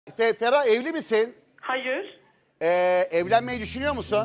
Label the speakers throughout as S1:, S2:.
S1: Ferah, evli misin?
S2: Hayır.
S1: Evlenmeyi düşünüyor musun?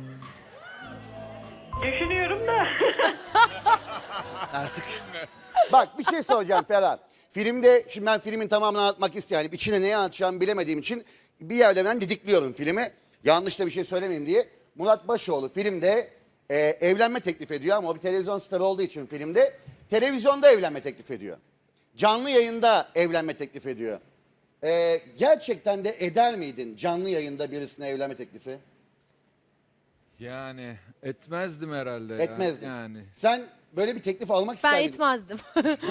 S2: Düşünüyorum da.
S3: Artık.
S1: Bak bir şey soracağım Ferah. Filmde, şimdi ben filmin tamamını anlatmak istiyorum. İçine neyi anlatacağımı bilemediğim için bir yerde ben didikliyorum filmi. Yanlış da bir şey söylemeyeyim diye. Murat Başoğlu filmde evlenme teklif ediyor ama o bir televizyon starı olduğu için filmde televizyonda evlenme teklif ediyor. Canlı yayında evlenme teklif ediyor. Gerçekten de eder miydin canlı yayında birisine evlenme teklifi?
S4: Yani etmezdim herhalde ya.
S1: Etmezdin.
S4: Yani.
S1: Sen böyle bir teklif almak ister
S5: Ben
S1: miydin?
S5: etmezdim.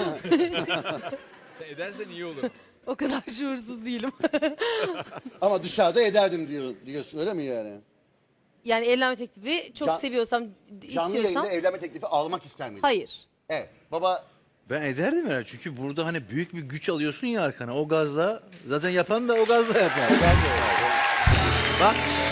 S4: Sen edersen iyi olur.
S5: O kadar şuursuz değilim.
S1: Ama dışarıda ederdim diyorsun öyle mi yani?
S5: Yani evlenme teklifi çok
S1: Can-
S5: seviyorsam,
S1: Canlı
S5: istiyorsam
S1: yayında evlenme teklifi almak ister miydin?
S5: hayır.
S1: Evet. Baba
S3: Ben ederdim herhalde çünkü burada hani büyük bir güç alıyorsun ya arkana o gazla. Zaten yapan da o gazla yapar. Bak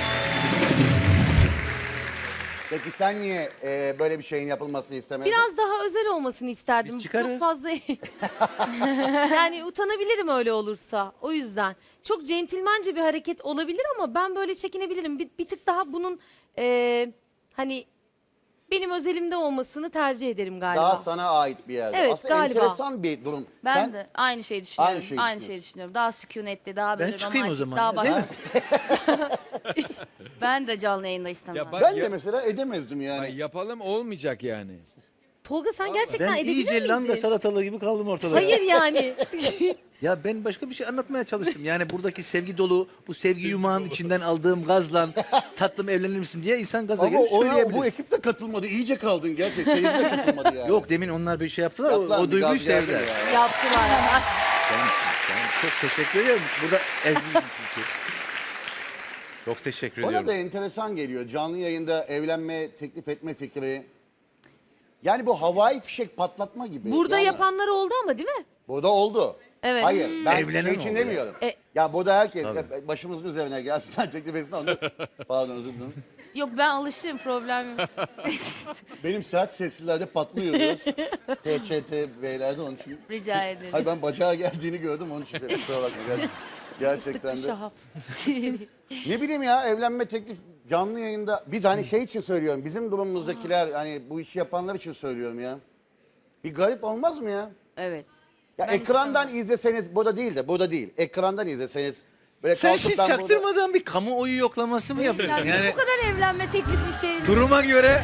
S1: peki sen niye böyle bir şeyin yapılmasını istemezdin?
S5: Biraz daha özel olmasını isterdim.
S3: Biz çıkarız.
S5: Çok fazla yani utanabilirim öyle olursa. O yüzden çok centilmence bir hareket olabilir ama ben böyle çekinebilirim. Bir tık daha bunun hani benim özelimde olmasını tercih ederim galiba.
S1: Daha sana ait bir yerde.
S5: Evet,
S1: Aslında
S5: galiba.
S1: enteresan bir durum.
S6: Ben
S1: Sen
S6: de aynı şeyi düşünüyorum.
S1: Aynı
S6: Aynı
S1: şeyi
S6: şeyi, düşünüyorum. Daha sükunetli, daha böyle
S3: ben çıkayım o
S6: romantik,
S3: zaman.
S6: daha
S3: Değil
S6: başka.
S3: mi?
S6: Ben de canlı yayında istemem.
S4: Ya bak-
S1: ben de mesela edemezdim yani.
S4: Ay, yapalım olmayacak yani.
S5: Tolga sen gerçekten
S3: Ben
S5: edebilir
S3: iyice
S5: miydin?
S3: langa salatalığı gibi kaldım ortada.
S5: Hayır yani.
S3: Ya ben başka bir şey anlatmaya çalıştım. Yani buradaki sevgi dolu, bu sevgi yumağın içinden aldığım gazla tatlım evlenir misin diye insan gaza
S1: Ama
S3: gelip
S1: oraya
S3: söyleyebilir.
S1: bu ekip de katılmadı. İyice kaldın gerçekten. Seyirci de katılmadı yani.
S3: Yok demin onlar bir şey yaptılar.
S1: Yaptılar
S3: o
S1: mı?
S3: duyguyu
S1: Gaz geldi
S3: sevdiler.
S1: ya.
S5: Yaptılar.
S3: Ben çok teşekkür ediyorum. Burada ezdim çünkü. Çok teşekkür
S1: Bana
S3: ediyorum.
S1: da enteresan geliyor. Canlı yayında evlenme teklif etme fikri. Yani bu havai fişek patlatma gibi.
S5: Burada
S1: Yani
S5: yapanlar oldu ama değil mi?
S1: Burada oldu.
S5: Evet.
S1: Hayır ben
S3: Evlenen
S1: şey için
S3: oldu
S1: demiyorum.
S5: E-
S1: Ya burada herkes
S3: Tabii.
S1: başımızın üzerine gelsin teklif etsin onu. Pardon özür dilerim.
S6: Yok ben alışırım, problem yok.
S1: Benim sert seslilerde patlıyoruz. PÇT beylerde onun için.
S6: Rica ederim.
S1: Hayır ben bacağa geldiğini gördüm onun için. Kusura bakma. Gerçekten
S5: Tıktı
S1: de.
S5: şahap.
S1: Ne bileyim ya evlenme teklif canlı yayında. Biz hani şey için söylüyorum. Bizim durumumuzdakiler hani bu işi yapanlar için söylüyorum ya. Bir garip olmaz mı ya?
S6: Evet.
S1: Ya
S6: Ben
S1: ekrandan izleseniz burada değil de burada değil. Ekrandan izleseniz böyle
S3: Sen
S1: kalkıp
S3: hiç
S1: ben burada-
S3: çaktırmadan bir kamuoyu yoklaması mı yapıyorsun?
S6: Yani,
S3: Yani
S6: bu kadar evlenme teklifi şey.
S3: duruma göre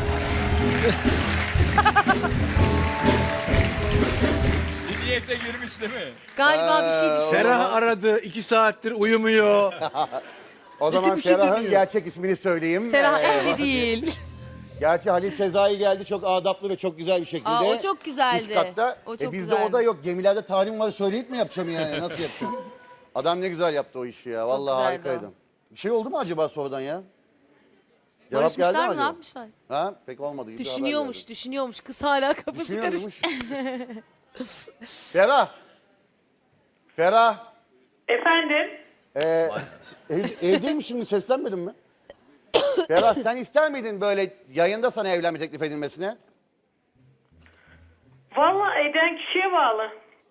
S4: Bir niyete girmiş değil mi?
S5: Galiba bir şey düşün.
S3: Ferah aradı 2 saattir uyumuyor.
S1: O zaman
S3: bir şey
S1: Ferah'ın
S3: demiyor.
S1: gerçek ismini söyleyeyim.
S5: Ferah evli değil.
S1: Gerçi Halil Sezai geldi çok adaplı ve çok güzel bir şekilde.
S6: Aa, o çok güzeldi.
S1: Üst katta.
S6: O çok
S1: bizde
S6: güzeldi.
S1: o da yok. Gemilerde tarihim var söyleyip mi yapacağım yani? Nasıl yapacağım? Adam ne güzel yaptı o işi ya. Vallahi
S6: güzeldi
S1: harikaydı. Bir şey oldu mu acaba sonradan ya? Cevap geldi mi
S6: Barışmışlar mı, ne
S1: acaba?
S6: yapmışlar?
S1: Ha? Pek olmadı. Hiç haber
S5: Düşünüyormuş,
S1: geldi.
S5: düşünüyormuş. Kız hala kafası karışık.
S1: Düşünüyormuş. Ferah. Ferah.
S2: Efendim?
S1: Evdeyim şimdi seslenmedin mi? Ferah sen ister miydin böyle yayında sana evlenme teklif edilmesine?
S2: Vallahi eden kişiye bağlı.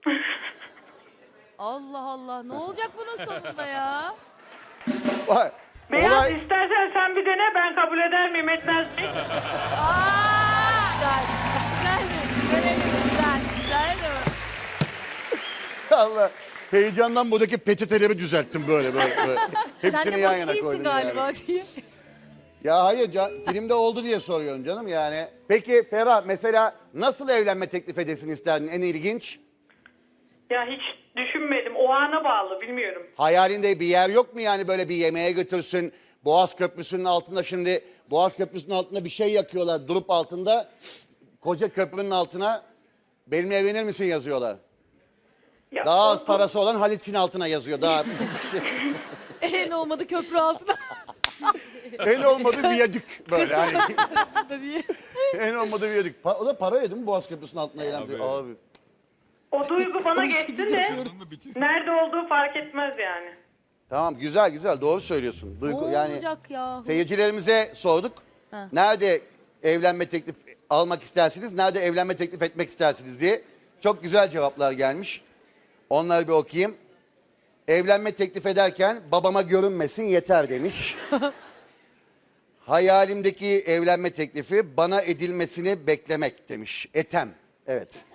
S6: Allah Allah, ne olacak bunun sonunda ya?
S1: Vay.
S2: Beyaz
S1: Olay-
S2: istersen sen bir dene ben kabul eder miyim etmez miyim?
S6: Güzel. Güzel mi? Görelim, güzel. Güzel mi?
S1: Allah. Heyecandan buradaki peçeteleri düzelttim böyle.
S5: Sen
S1: Hepsini
S5: de
S1: yan
S5: boş
S1: yana
S5: değilsin
S1: koydum
S5: galiba
S1: yani.
S5: diye.
S1: Ya hayır filmde oldu diye soruyorum canım yani. Peki Ferah mesela nasıl evlenme teklif edesin isterdin en ilginç?
S2: Ya hiç düşünmedim. O ana bağlı bilmiyorum.
S1: Hayalinde bir yer yok mu yani böyle bir yemeğe götürsün? Boğaz Köprüsü'nün altında şimdi Boğaz Köprüsü'nün altında bir şey yakıyorlar durup altında. Koca köprünün altına benimle evlenir misin yazıyorlar.
S2: Ya,
S1: Daha az
S2: o-
S1: parası olan Halit'in altına yazıyor. Daha
S5: En olmadı köprü altına
S1: en olmadı viyadük böyle hani.
S5: diye.
S1: En olmadı viyadük. O da para yedi mi Boğaz Köprüsü'nün altına eğlen? Abi.
S2: O duygu bana geçti de nerede olduğu fark etmez yani.
S1: Tamam güzel doğru söylüyorsun. Duygu
S6: Ne
S1: yani
S6: olacak ya?
S1: seyircilerimize sorduk. Nerede evlenme teklif almak istersiniz? Nerede evlenme teklif etmek istersiniz diye. Çok güzel cevaplar gelmiş. Onları bir okuyayım. Evlenme teklif ederken babama görünmesin yeter demiş. Hayalimdeki evlenme teklifi bana edilmesini beklemek demiş. Etem. Evet.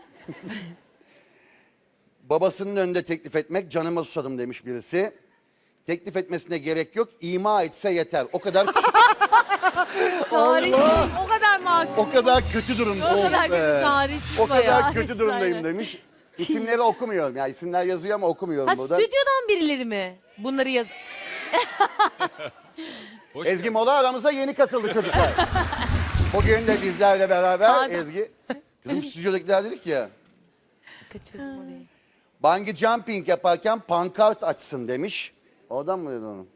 S1: Babasının önünde teklif etmek canıma susadım demiş birisi. Teklif etmesine gerek yok. İma etse yeter. O kadar Allah!
S6: O kadar mahcup.
S1: O kadar kötü durumda.
S6: O kadar kötü.
S5: Çaresiz
S1: O kadar
S5: bayağı.
S1: kötü durumdayım demiş. İsimleri okumuyorum. Ya isimler yazıyor ama okumuyorum
S5: Ha
S1: burada.
S5: stüdyodan birileri mi? Bunları yaz...
S4: Hoş
S1: Ezgi Mola aramıza yeni katıldı çocuklar. Bugün de bizlerle beraber
S5: Pardon.
S1: Ezgi. Kızım stüdyodakiler dedik ya.
S5: Kaçırdım orayı.
S1: Bungee jumping yaparken pankart açsın demiş. Oradan mı dedin onu?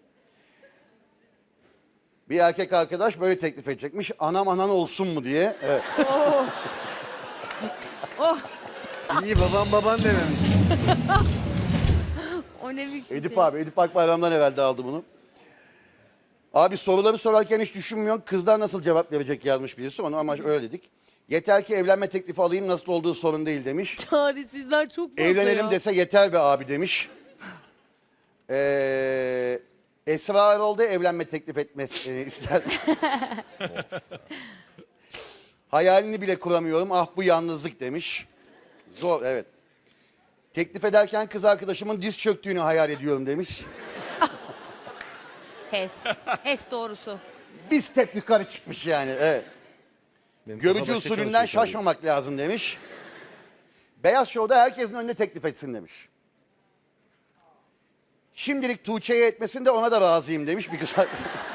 S1: Bir erkek arkadaş böyle teklif edecekmiş. Anam anan olsun mu diye. Evet.
S3: İyi babam baban dememiş.
S6: O ne biçim
S1: Edip
S6: şey.
S1: abi, Edip Akbayram'dan evvel de aldı bunu. Abi soruları sorarken hiç düşünmüyorsun. Kızlar nasıl cevap verecek yazmış birisi. Onu ama öyle dedik. Yeter ki evlenme teklifi alayım, nasıl olduğu sorun değil demiş.
S5: Çaresizler çok fazla
S1: Evlenelim
S5: ya.
S1: dese yeter be abi demiş. Esra Erol da evlenme teklif etmesini ister. Hayalini bile kuramıyorum. Ah bu yalnızlık demiş. Zor, evet. Teklif ederken kız arkadaşımın diz çöktüğünü hayal ediyorum demiş.
S6: Hes. Hes doğrusu.
S1: Bir step yukarı çıkmış yani. Evet.
S3: Benim kafa
S1: Görücü
S3: başka
S1: usulünden
S3: çalışıyor tabii.
S1: şaşmamak lazım demiş. Beyaz Show'da herkesin önüne teklif etsin demiş. Şimdilik Tuğçe'ye etmesin de ona da razıyım demiş bir kız.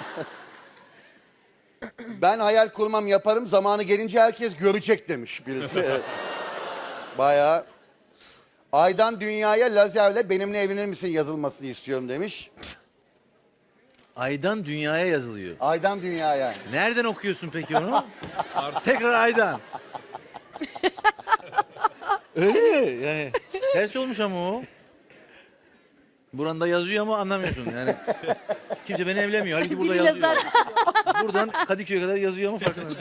S1: Ben hayal kurmam yaparım, zamanı gelince herkes görecek demiş birisi. Evet. Bayağı. Aydan dünyaya lazerle benimle evlenir misin yazılmasını istiyorum demiş.
S3: Aydan dünyaya yazılıyor.
S1: Aydan dünyaya.
S3: Nereden okuyorsun peki onu? Tekrar aydan. Öyle mi? Yani ters olmuş ama o. Buranda yazıyor ama anlamıyorsun yani. Kimse beni evlemiyor. Halbuki burada
S5: Biri
S3: yazıyor.
S5: yazar.
S3: Buradan Kadıköy'e kadar yazıyor ama farkında.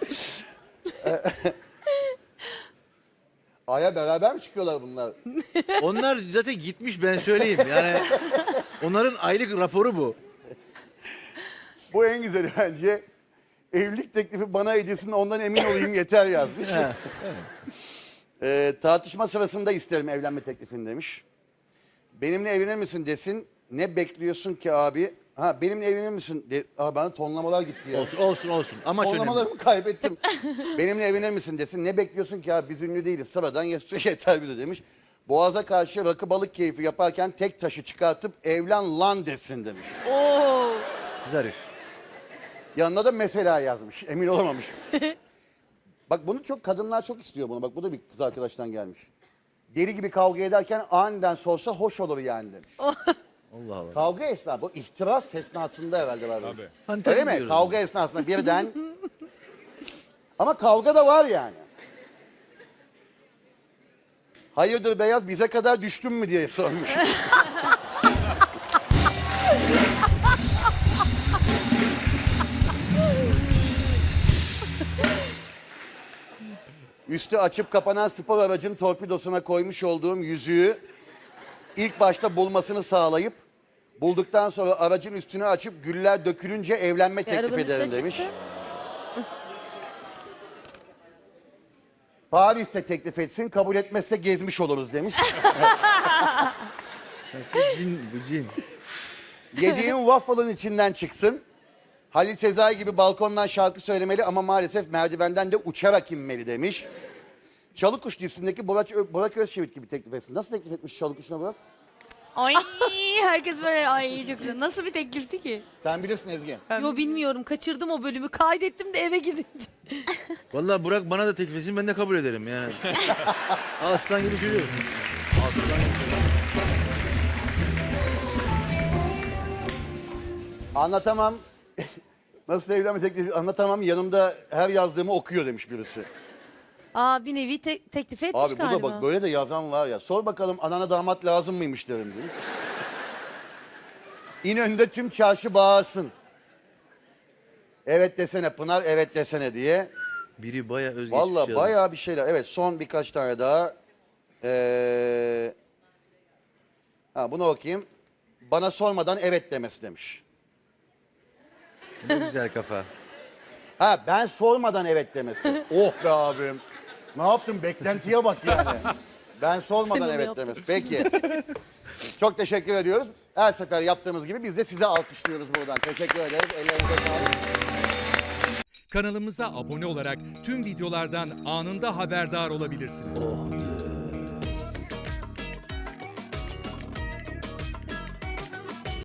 S1: Aya beraber mi çıkıyorlar bunlar?
S3: Onlar zaten gitmiş ben söyleyeyim. Yani onların aylık raporu bu.
S1: Bu en güzeli bence. Evlilik teklifi bana edilsin ondan emin olayım yeter yazmış. Tartışma sırasında isterim evlenme teklifini demiş. Benimle evlenir misin desin. Ne bekliyorsun ki abi? Ha benimle evlenir misin? Bana tonlamalar gitti ya.
S3: Olsun. Amaç önemli.
S1: Tonlamalarımı kaybettim. Benimle evlenir misin desin. Ne bekliyorsun ki abi biz ünlü değiliz. Sıradan yeter bize demiş. Boğaza karşı rakı balık keyfi yaparken tek taşı çıkartıp evlen lan desin demiş.
S6: Oo.
S3: Zarif.
S1: Yanına da mesela yazmış. Emin olamamış. Bak bunu kadınlar çok istiyor bunu. Bak bu da bir kız arkadaştan gelmiş. Deli gibi kavga ederken aniden sorsa hoş olur yani demiş.
S3: Allah Allah.
S1: Kavga esnasında, bu ihtiras esnasında herhalde var.
S4: Tabii.
S3: Fantezi
S1: Öyle mi?
S3: diyoruz.
S1: Kavga esnasında birden. Ama kavga da var yani. Hayırdır Beyaz bize kadar düştün mü diye sormuş. Üstü açıp kapanan spor aracın torpidosuna koymuş olduğum yüzüğü ilk başta bulmasını sağlayıp bulduktan sonra aracın üstünü açıp güller dökülünce evlenme teklif
S5: arabanın
S1: ederim
S5: üstüne
S1: demiş.
S5: çıktı.
S1: Paris'te teklif etsin, kabul etmezse gezmiş oluruz demiş.
S3: Bu cin.
S1: Yediğin waffle'ın içinden çıksın. Halil Sezai gibi balkondan şarkı söylemeli ama maalesef merdivenden de uçarak inmeli demiş. Çalıkuş dizisindeki Burak Özçivit gibi teklif etsin. Nasıl teklif etmiş Çalıkuş'una Burak?
S6: Ay herkes böyle ay çok güzel. Nasıl bir teklifti ki?
S1: Sen bilirsin Ezgi.
S5: Yo bilmiyorum kaçırdım o bölümü. Kaydettim de eve gidince.
S3: Vallahi Burak bana da teklif etsin ben de kabul ederim yani. Aslan gibi çocuk. Aslan gibi çocuk.
S1: Anlatamam. Nasıl evlenme teklifi anlatamam. Yanımda her yazdığımı okuyor demiş birisi.
S5: Aa bir nevi teklif etmiş
S1: Abi bu
S5: galiba.
S1: da bak böyle de yazan var ya. Sor bakalım anana damat lazım mıymış derim diyor. İnönü'nde tüm çarşı bağırsın. Evet desene Pınar, evet desene diye.
S3: Biri bayağı özgeçmiş.
S1: Vallahi
S3: yazmış.
S1: bayağı bir şeyler. Evet son birkaç tane daha. Bunu okuyayım. bana sormadan evet demesi demiş.
S3: Ne güzel kafa.
S1: Ha ben sormadan evet demesi. Oh be abim. Ne yaptın? Beklentiye bak yani. Ben sormadan
S5: Onu
S1: evet
S5: yaptım.
S1: demesi. Peki. Çok teşekkür ediyoruz. Her sefer yaptığımız gibi biz de size alkışlıyoruz buradan. Teşekkür ederiz. Ellerinize sağlık.
S7: Kanalımıza abone olarak tüm videolardan anında haberdar olabilirsiniz.